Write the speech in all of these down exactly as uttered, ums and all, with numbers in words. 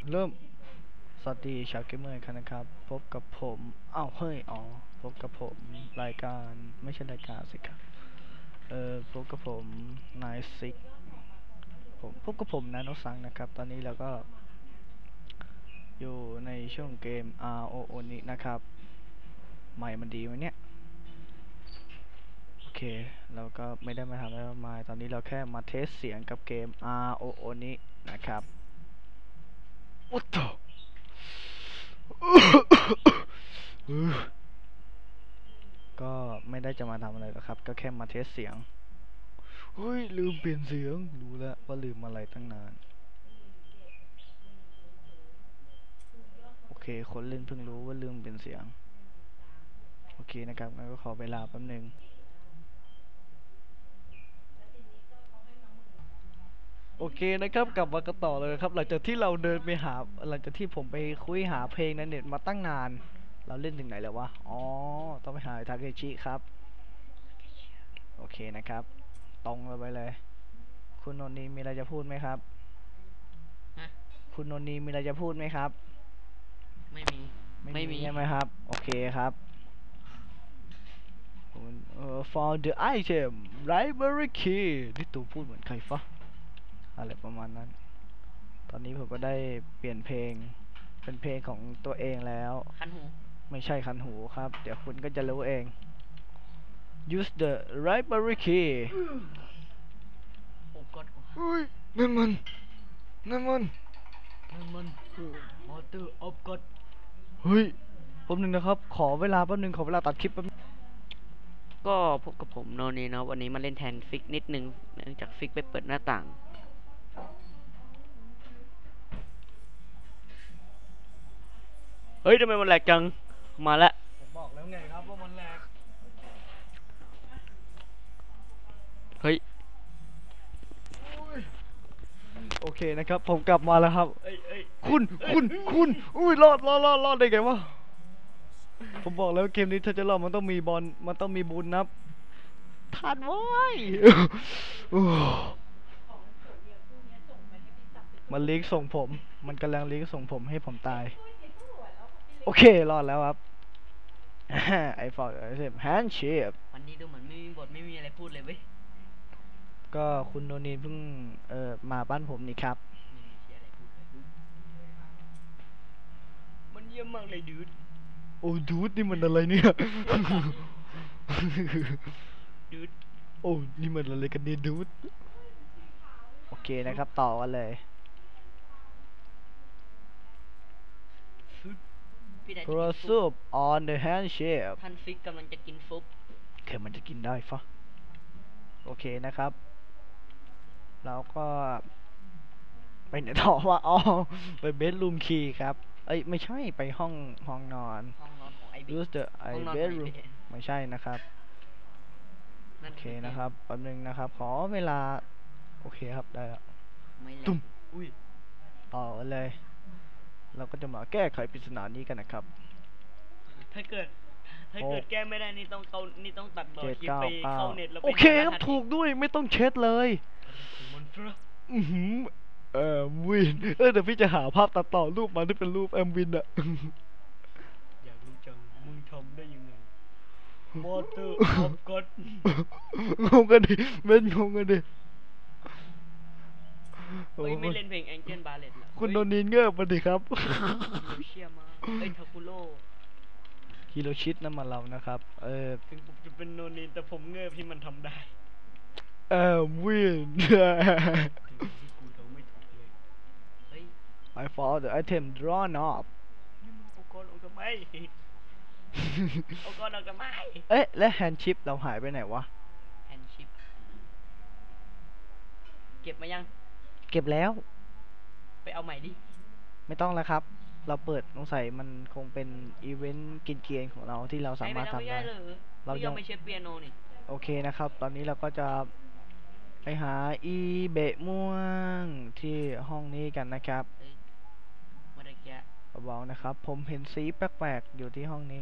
เริ่มสวัสดีชาวเกมเมอร์กันนะครับพบกับผมอ้าวเฮ้ยอ๋อพบกับผมรายการไม่ใช่รายการสิครับเออพบกับผมนายซิกผมพบกับผมนาโนซังนะครับตอนนี้เราก็อยู่ในช่วงเกม อาร์ โอ โอ นี้นะครับใหม่มันดีไหมเนี่ยโอเคเราก็ไม่ได้มาทำอะไรมากมายตอนนี้เราแค่มาเทสเสียงกับเกม อาร์ โอ โอ นี้นะครับโอ้โห ก็ไม่ได้จะมาทำอะไรหรอกครับก็แค่มาเทสเสียงเฮ้ยลืมเปลี่ยนเสียงรู้แล้วว่าลืมอะไรตั้งนานโอเคคนเล่นเพิ่งรู้ว่าลืมเปลี่ยนเสียงโอเคนะครับงั้นก็ขอเวลาแป๊บนึงโอเคนะครับกลับมากันต่อเลยครับหลังจากที่เราเดินไปหาหลังจากที่ผมไปคุยหาเพลงในเน็ตมาตั้งนานเราเล่นถึงไหนแล้ววะอ๋อต้องไปหาทาเคชิครับโอเคนะครับตรงเราไปเลยคุณโนนีมีอะไรจะพูดไหมครับฮะคุณโนนีมีอะไรจะพูดไหมครับไม่มีไม่ไม่มีมีใช่ไหมครับโอเคครับเอ่อ found the item library key นี่ตูพูดเหมือนใครฟะอะไรประมาณนั้นตอนนี้ผมก็ได้เปลี่ยนเพลงเป็นเพลงของตัวเองแล้วคันหูไม่ใช่คันหูครับเดี๋ยวคุณก็จะรู้เอง use the library key โอ้กดกว่าอุ้ยนั่นมันนั่นมันนั่นมันคือมอเตอร์ออฟกดเฮ้ยแป๊บนึงนะครับขอเวลาแป๊บนึงขอเวลาตัดคลิปแป๊บนึงก็พบกับผมโนนีนะวันนี้มาเล่นแทนฟิกนิดนึงเนื่องจากฟิกไปเปิดหน้าต่างเฮ้ยทำไมมันแหลกจังมาละผมบอกแล้วไงครับว่ามันแหลกเฮ้ยโอเคนะครับผมกลับมาแล้วครับเอ้ยเอ้ยคุณคุณคุณอุ้ยรอดรอดรอดรอดได้ไงวะผมบอกแล้วเกมนี้ถ้าจะรอดมันต้องมีบอลมันต้องมีบุญนับทันไว้มันลิงก์ส่งผมมันกำลังลิงก์ส่งผมให้ผมตายโอเครอดแล้วครับไอฟอร์ดไอเซมแฮนด์เชฟวันนี้ดูเหมือนไม่มีบทไม่มีอะไรพูดเลยเว้ยก็คุณโนนีเพิ่งเอ่อมาบ้านผมนี่ครับไม่มีเชียอะไรพูดเลยมันเยี่ยมมากเลยดูดโอ้ดูดนี่มันอะไรเนี่ยดูดโอ้นี่มันอะไรกันเนี่ยดูดโอเคนะครับต่อกันเลยพี่นายจะกิน Pursue ฟุบ on the handshake ท่านฟิกกำลังจะกินฟุบเคมันจะกินได้ฟะโอเคนะครับแล้วก็ไปไหนต่อวะอ๋อไปเบดรูมคีย์ครับเอ้ยไม่ใช่ไปห้องห้องนอนห้องนอนของไอบิ๊ก use the ไอห้องนอนของไอ bedroom บิ๊กไม่ใช่นะครับนั่โอนเคคือเกมนะครับแป๊บนึงนะครับขอเวลาโอเคครับได้แล้วไม่แหลตุ้มกอุ้ยต่อกันเลยเราก็จะมาแก้ไขปริศนานี้กันนะครับถ้าเกิด ถ้าหเกิดกแก้ไม่ได้นี่ต้องเข้านี่ต้องตัดต่อเจ็ดคลิปเก้าไปเก้าเข้าเน็ตแล้วไปโอเคหารครับหัสถูกด้วยไม่ต้องเช็ดเลยของมันเฟ้ออือหือเออวินเออเดี๋ยวพี่จะหาภาพตัดต่อรูปมาที่เป็นรูปแอมวินอะอยากรู้จังมึงทำได้ยังไง Water of God งงกันดิเม่นงงกันดิโอ้เฮ้ยโหไม่เล่นเพลง Angel Ballet เหรอคุณเฮ้ยโดนีนเงือบมาดิครับฮิโรเชียมาเอ้ยทาคุโร่ฮิโรชิตนั่นมาเรานะครับ เออถึงผมจะเป็นโนนินแต่ผมเงือบที่มันทำได้แอมวินถึงที่กูเดาไม่ถูกเลยเฮ้ย I found the item drawn up นี่มึงเอาก้อนออกทำไมเอาก้อนออกทำไมเอ๊ะและแฮนด์ชิปเราหายไปไหนวะแอนชิปเก็บมายังเก็บแล้วไปเอาใหม่ดิไม่ต้องแล้วครับ เราเปิดสงสัยมันคงเป็นอีเวนต์กินเกียนของเราที่เราสามารถทำได้เราเรายัยัง งไม่ใช่เปียโนนี่โอเคนะครับ ตอนนี้เราก็จะไปหาอีเบะม่วงที่ห้องนี้กันนะครับเอ้ยเมื่อกี้เบาๆนะครับ ผมเห็นสีแปลกๆอยู่ที่ห้องนี้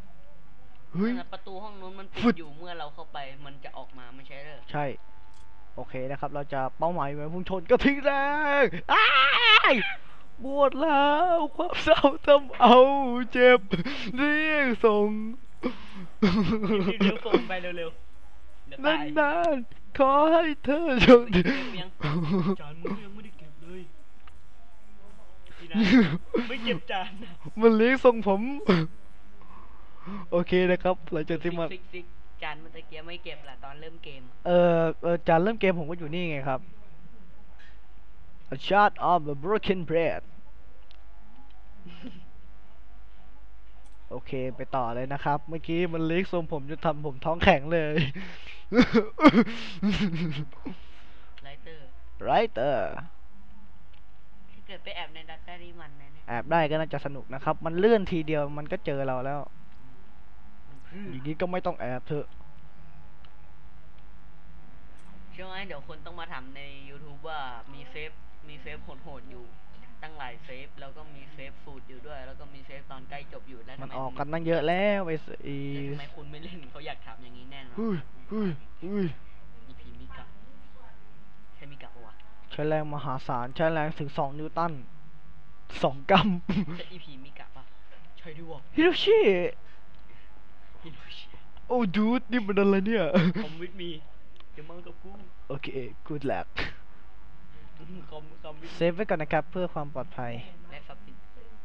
เฮ้ยนั่นน่ะประตูห้องนู้นมันปิฟึดดอยู่เมื่อเราเข้าไปมันจะออกมาไม่ใช่เหรอใช่โอเคนะครับ เราจะเป้าหมายไว้พุ่งชนกระทิงแรงอ้ายปวดแล้วความเศร้าทำเอาเจ็บเรียกส่งเร็วๆส่งไปเร็วๆเดี๋ยวตายนานๆขอให้เธอโชคดีเก็บยังจานมึงยังไม่ได้เก็บเลยพี่นะไม่เก็บจานนะมันเลี้ยงทรงผม โอเคนะครับหลังจากที่มาฟิกฟิกจานมันตะเกียบไม่เก็บละตอนเริ่มเกมเออเออจานเริ่มเกมผมก็อยู่นี่ไงครับ A shot of the broken bread โอเคไปต่อเลยนะครับ เมื่อกี้มันเลี้ยงทรงผมจนทำผมท้องแข็งเลยไลเตอร์ Writer ถ้าเกิดไปแอบในดัตต้านี่มันนะเนี่ยแอบได้ก็น่าจะสนุกนะครับ มันเลื่อนทีเดียวมันก็เจอเราแล้วมันพรื้อย่างนี้ก็ไม่ต้องแอบเถอะเชื่อไหมเดี๋ยวคนต้องมาถามใน YouTube ว่ามีเซฟมีเซฟโหดๆอยู่ ตั้งหลายเซฟแล้วก็มีเซฟสูตรอยู่ด้วย แล้วก็มีเซฟตอนใกล้จบอยู่แล้วมันทำไมออกคุณกันตั้งเยอะแล้วไอ้สอีแล้วทำไมคุณไม่เล่นเขาอยากถามอย่างนี้แน่นอนเฮ้ยเฮ้ยเฮ้ยอีพีมิกะใช่มิกะปะวะใช้แรงมหาศาลใช้แรงถึงสองนิวตันสองกรัมใช่อีพีมิกะปะใช่ด้วยวะฮิโรชิฮิโรชิโอ้ดูดนี่มันอะไรเนี่ยคอมวิดมีเดี๋ยวมากับกูโอเค good luck คอมคอมวิดเซฟไว้ก่อนนะครับเพื่อความปลอดภัยและซับซิน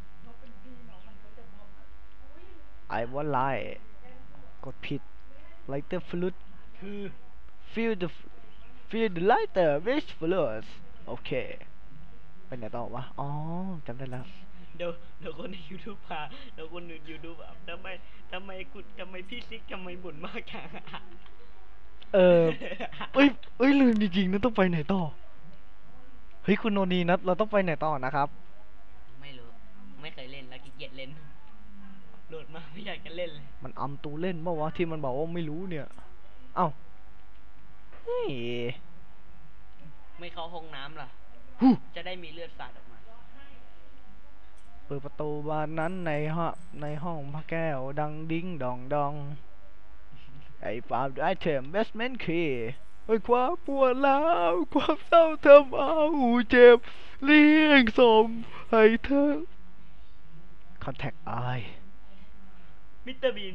I want light กดผิด lighter fluid คือ feel the feel the lighter which flows โอเคไปไหนต่อวะ อ๋อจำได้แล้วเดี๋ยวเดี๋ยวคนใน YouTube พาเดี๋ยวคนใน YouTube อ่ะทำไมทำไมคุณทำไมพี่ซิกทำไมบ่นมากจังอะเออ เอ้ยเอ้ยลืมจริงๆนะต้องไปไหนต่อ เฮ้ยคุณโนนีนะเราต้องไปไหนต่อนะครับไม่รู้ไม่เคยเล่นแล้วขี้เกียจเล่นโหลดมาไม่อยากจะเล่นเลยมันอำตูเล่นเมื่อวะที่มันบอกว่าไม่รู้เนี่ย เอ้าเฮ้ยไม่เข้าห้องน้ำล่ะฮู้จะได้มีเลือดสาดออกมาเปิดประตูบานนั้นในห้องในห้องพระแก้วดังดิ้งดองดอง ไอ้ฟาร์มไอเทมเบสเมนต์คีไอ้ความปวดร้าวความเศร้าทำเอาเจ็บเลี้ยงส่งให้เธอ Contact I มิสเตอร์บีน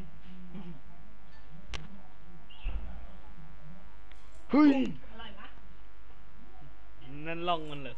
เฮ้ยนั่นล่องมันเหรอ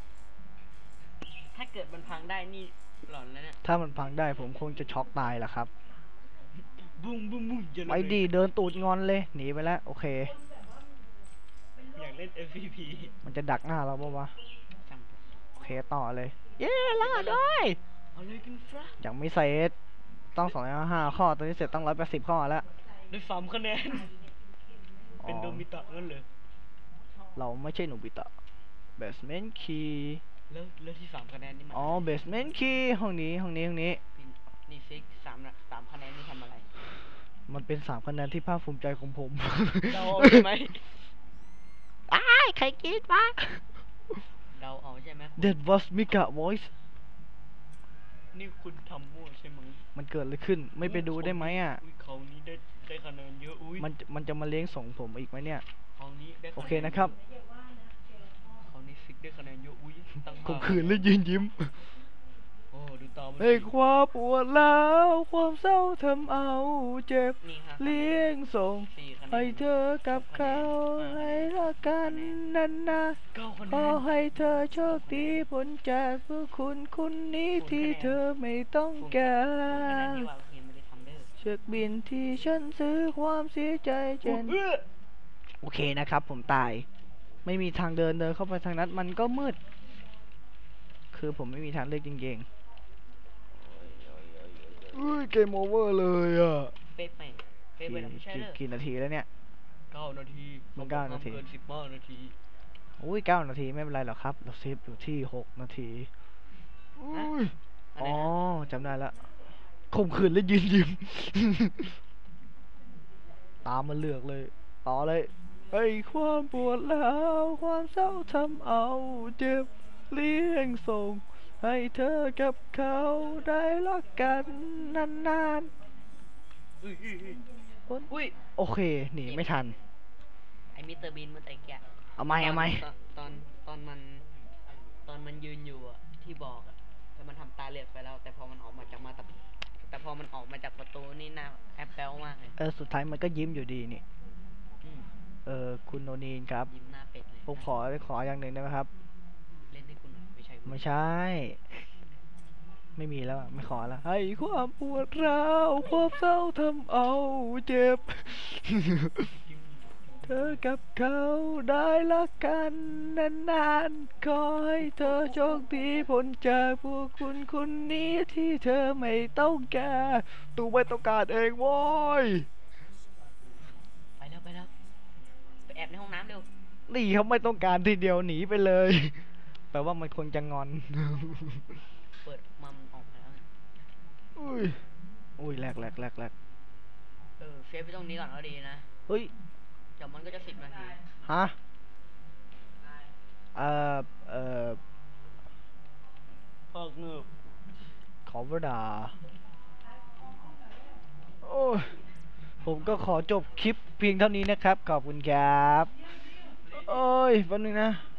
ถ้าเกิดมันพังได้นี่หลอนแล้วเนี่ยถ้ามันพังได้ผมคงจะช็อกตายแหละครับบุ้งบุ้งบุ้งจะไปดีเดินตูดงอนเลย หนีไปแล้ว โอเคอยากเล่น เอฟ พี พีมันจะดักหน้าเราปะวะจำโอเคต่อเลย เย้ล่าด้วยเอาเลยกันฟะยังไม่เสร็จต้องสองร้อยห้าข้อ ตอนนี้เสร็จต้องร้อยแปดสิบข้อแล้วได้สามคะแนน เป็นโดมิตะนั่นเลยเราไม่ใช่หนูบิตะ basement key แล้วแล้วที่สามคะแนนนี่มันอ๋อ basement key ห้องนี้ ห้องนี้ ห้องนี้นี่ฟิกสามละสามคะแนนนี่ทำอะไรมันเป็นสามคะแนนที่ภาคภูมิใจของผมเดาเอาใช่ไหมอ้ายใครกรีดวะเดาเอาใช่ไหมคุณ That was Mika voice นี่คุณทำมั่วใช่ไหมมันเกิดอะไรขึ้น ไม่ไปดูได้ไหมอ่ะอุ้ยเขานี้ได้ได้คะแนนเยอะอุ้ยมันมันจะมาเลี้ยงส่งผมอีกไหมเนี่ยเขานี้ได้โอเคนะครับเขานี้ฟิกได้คะแนนเยอะอุ้ยตั้งข่มห้าขืนและยืนยิ้มโอ้ดูตามันให้ความปวดร้าวความเศร้าทำเอาเจ็บนี่ฮะเลี้ยงส่งสี่คะแนนให้เธอกับเขาให้รักกันนานนาเก้าคะแนขอน ให้เธอโชคดีพ้นจากพวกคุณคุณนี้ที่เธอไม่ต้องกาศูนย์คะแนนรที่ว่าเพียงไม่ได้ทำเด้อเช็คบินที่ฉันซื้อความเสียใจเจนเอื้อโอเคนะครับ ผมตาย ไม่มีทางเดินเดินเข้าไปทางนั้นมันก็มืด คือผมไม่มีทางเลือกจริงๆเฮ้ยเกมโอเวอร์เลยอ่ะเป๊ะไปเป๊ะไปแล้วไม่ใช่กี่เหรอกี่นาทีแล้วเนี่ยเก้านาทีมันเก้านาทีเกินสิบห้านาทีอุ้ยเก้านาทีไม่เป็นไรหรอกครับ เราเซฟอยู่ที่หกนาทีอุ้ยอะไรอ๋อนะจำได้ละข่มขืนและยืนยิ้ม ตามมาเลือกเลย ต่อเลยไอ้ความปวดร้าวความเศร้าทำเอาเจ็บเลี้ยงส่ง ให้เธอกับเขาได้รักกันนานอุ้ยอุ้ยอุ้ยๆอุ้ยโอเค หนีไม่ทันไอ้มิสเตอร์บีนเมื่อตะกี้เอาไหมเอาไหมตอนตอนตอนมันตอนมันยืนอยู่อะที่บอกอะแล้วมันทำตาเหลือกไปแล้ว แต่พอมันออกมาจากมาแต่แต่พอมันออกมาจากประตูนี่หน้าแอปเปิลมากเลยเออสุดท้ายมันก็ยิ้มอยู่ดีนี่อืมเออคุณโนนีนครับยิ้มหน้าเป็ดเลยผมขอขออย่างหนึ่งได้ไหมครับเล่นให้คุณหน่อยไม่ใช่คุณไม่ใช่ ไม่มีแล้วอะไม่ขอแล้วให้ความปวดร้าวความเศร้าทำเอาเจ็บ เธอกับเขาได้รักกันนานๆขอให้เธอโชคดีพ้นจากพวกคุณคนนี้ที่เธอไม่ต้องการตูไม่ต้องการเองโว้ยไปแล้วไปแล้วไปแอบในห้องน้ำเร็วนี่เขาไม่ต้องการทีเดียวหนีไปเลย แปลว่ามันคงจะงอนเปิดมามันออกมาแล้วอุ้ย อุ้ยแหลกแหลกแหลกแหลกเออเซฟไปตรงนี้ก่อนก็ดีนะเฮ้ยเดี๋ยวมันก็จะสิบนาทีฮะ เอ่อ เอ่อพอกเงือบขอเวลาโอ้ยผมก็ขอจบคลิปเพียงเท่านี้นะครับ ขอบคุณครับ โอ้ยแป๊บนึงนะ